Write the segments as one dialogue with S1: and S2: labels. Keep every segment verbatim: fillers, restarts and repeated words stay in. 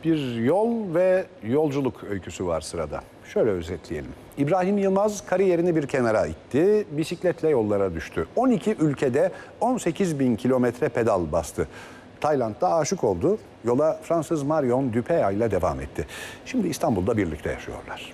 S1: Bir yol ve yolculuk öyküsü var sırada. Şöyle özetleyelim. İbrahim Yılmaz kariyerini bir kenara itti, bisikletle yollara düştü. on iki ülkede on sekiz bin kilometre pedal bastı. Tayland'da aşık oldu, yola Fransız Marion Dupéa ile devam etti. Şimdi İstanbul'da birlikte yaşıyorlar.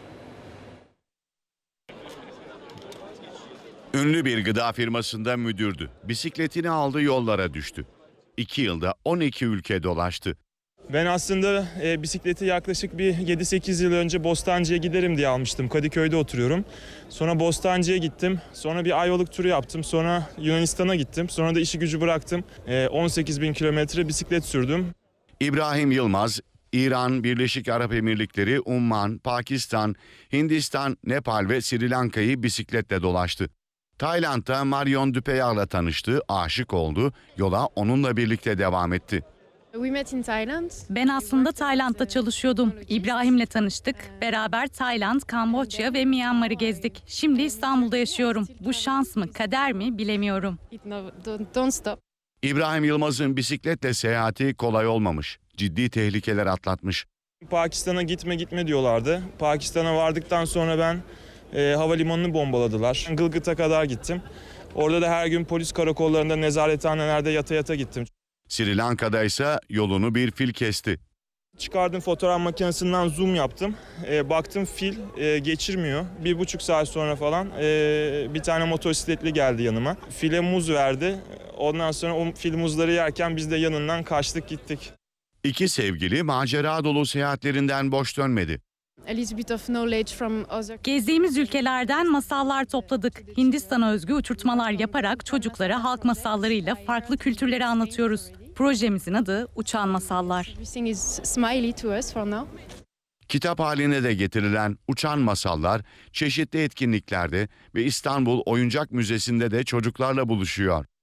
S2: Ünlü bir gıda firmasında müdürdü. Bisikletini aldı, yollara düştü. İki yılda on iki ülke dolaştı.
S3: Ben aslında e, bisikleti yaklaşık bir yedi sekiz yıl önce Bostancı'ya giderim diye almıştım. Kadıköy'de oturuyorum. Sonra Bostancı'ya gittim. Sonra bir Ayvalık turu yaptım. Sonra Yunanistan'a gittim. Sonra da işi gücü bıraktım. E, on sekiz bin kilometre bisiklet sürdüm.
S2: İbrahim Yılmaz, İran, Birleşik Arap Emirlikleri, Umman, Pakistan, Hindistan, Nepal ve Sri Lanka'yı bisikletle dolaştı. Tayland'da Marion Dupéa ile tanıştı, aşık oldu, yola onunla birlikte devam etti.
S4: Ben aslında Tayland'da çalışıyordum. İbrahim'le tanıştık. Beraber Tayland, Kamboçya ve Myanmar'ı gezdik. Şimdi İstanbul'da yaşıyorum. Bu şans mı, kader mi bilemiyorum.
S2: İbrahim Yılmaz'ın bisikletle seyahati kolay olmamış. Ciddi tehlikeler atlatmış.
S3: Pakistan'a gitme gitme diyorlardı. Pakistan'a vardıktan sonra ben e, havalimanını bombaladılar. Gılgıt'a kadar gittim. Orada da her gün polis karakollarında, nezarethanelerde yata yata gittim.
S2: Sri Lanka'da ise yolunu bir fil kesti.
S3: Çıkardım, fotoğraf makinesinden zoom yaptım. E, baktım fil e, geçirmiyor. Bir buçuk saat sonra falan e, bir tane motosikletli geldi yanıma. File muz verdi. Ondan sonra o fil muzları yerken biz de yanından kaçtık gittik.
S2: İki sevgili macera dolu seyahatlerinden boş dönmedi.
S4: Gezdiğimiz ülkelerden masallar topladık. Hindistan'a özgü uçurtmalar yaparak çocuklara halk masallarıyla farklı kültürleri anlatıyoruz. Projemizin adı Uçan Masallar.
S2: Kitap haline de getirilen Uçan Masallar çeşitli etkinliklerde ve İstanbul Oyuncak Müzesi'nde de çocuklarla buluşuyor.